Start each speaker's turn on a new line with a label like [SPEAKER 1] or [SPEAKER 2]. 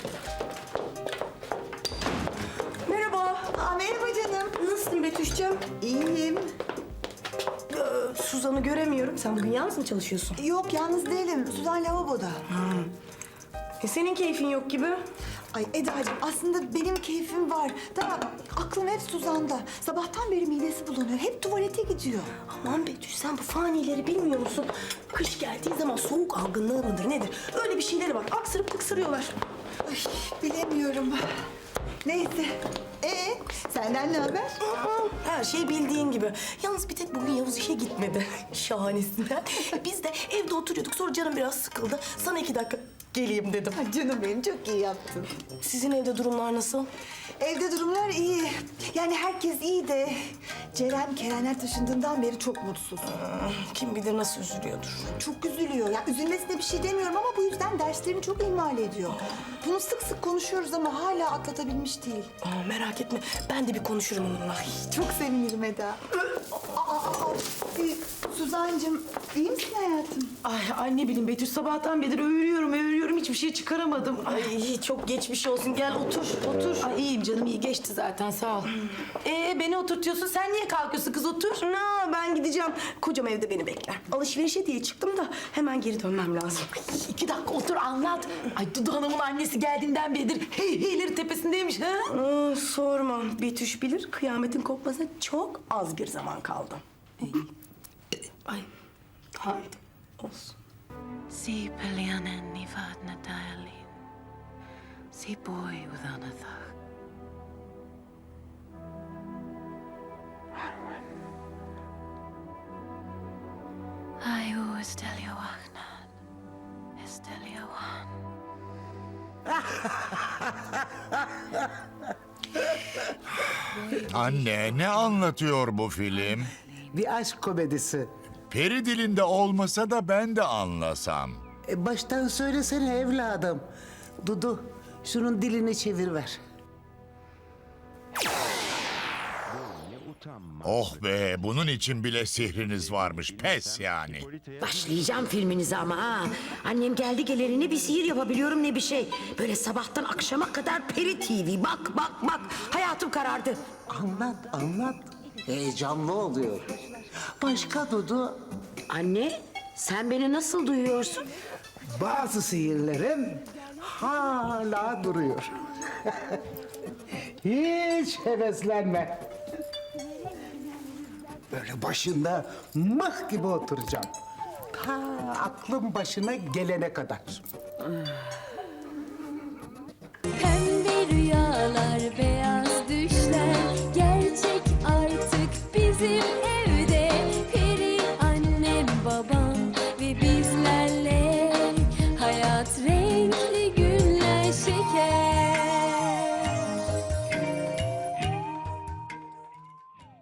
[SPEAKER 1] Merhaba.
[SPEAKER 2] Merhaba canım.
[SPEAKER 1] Nasılsın Betüş'cüğüm?
[SPEAKER 2] İyiyim.
[SPEAKER 1] Suzan'ı göremiyorum. Sen bugün yalnız mı çalışıyorsun?
[SPEAKER 2] Yok yalnız değilim. Suzan lavaboda.
[SPEAKER 1] Senin keyfin yok gibi.
[SPEAKER 2] Ay Eda'cığım aslında benim keyfim var. Da aklım hep Suzan'da. Sabahtan beri midesi bulanıyor. Hep tuvalete gidiyor.
[SPEAKER 1] Aman Betüş, sen bu fanileri bilmiyor musun? Kış geldiği zaman soğuk algınlığı mıdır nedir? Öyle bir şeyleri var. Aksırıp tıksırıyorlar.
[SPEAKER 2] Ay, bilemiyorum. Neyse. Senden ne haber?
[SPEAKER 1] Her şey bildiğin gibi. Yalnız bir tek bugün Yavuz işe gitmedi. Şahanesinden. Biz de evde oturuyorduk. Sonra canım biraz sıkıldı. Sana 2 dakika geleyim dedim.
[SPEAKER 2] Ay, canım benim çok iyi yaptın.
[SPEAKER 1] Sizin evde durumlar nasıl?
[SPEAKER 2] Evde durumlar iyi. Yani herkes iyi de Ceren Kerenler taşındığından beri çok mutsuz.
[SPEAKER 1] Kim bilir nasıl üzülüyordur.
[SPEAKER 2] Çok üzülüyor. Ya üzülmesine bir şey demiyorum ama bu yüzden derslerini çok ihmal ediyor. Bunu sık sık konuşuyoruz ama hala atlatabilmiş değil.
[SPEAKER 1] Merak etme. Ben de bir konuşurum onunla.
[SPEAKER 2] Çok sevinirim Eda. Suzancığım, iyi misin hayatım?
[SPEAKER 3] Ay ne bileyim Betüş, sabahtan beri övürüyorum hiçbir şey çıkaramadım.
[SPEAKER 1] Ay çok geçmiş olsun. Gel otur.
[SPEAKER 3] Ay iyiyim canım, iyi geçti zaten, sağ ol. Beni oturtuyorsun, sen niye kalkıyorsun kız, otur.
[SPEAKER 1] Ben gideceğim. Kocam evde beni bekler. Alışverişe diye çıktım da hemen geri dönmem lazım.
[SPEAKER 3] 2 dakika otur, anlat. Ay Dudu Hanım'ın annesi geldiğinden beridir heyleri tepesindeymiş ha.
[SPEAKER 1] Sorma. Betüş bilir, kıyametin kopmasına çok az bir zaman kaldı. Ay, pardon. Olsun.
[SPEAKER 4] Siipelianen nivaatna dialin. Sipoi udanatah. Aiu estelio ahnan. Estelio an.
[SPEAKER 5] Anne, ne anlatıyor bu film?
[SPEAKER 6] Bir aşk komedisi.
[SPEAKER 5] Peri dilinde olmasa da ben de anlasam.
[SPEAKER 6] Baştan söylesene evladım. Dudu, şunun dilini çevir ver.
[SPEAKER 5] Oh be, bunun için bile sihriniz varmış, pes yani.
[SPEAKER 7] Başlayacağım filminize ama ha. Annem geldi geleli ne bir sihir yapabiliyorum ne bir şey. Böyle sabahtan akşama kadar Peri TV. Bak. Hayatım karardı.
[SPEAKER 6] Anlat. Heyecanlı oluyor. Başka Dudu,
[SPEAKER 7] Anne, sen beni nasıl duyuyorsun?
[SPEAKER 6] bazı sihirlerim hala duruyor. Hiç heveslenme. Böyle başında mıh gibi oturacağım. Ta aklım başına gelene kadar.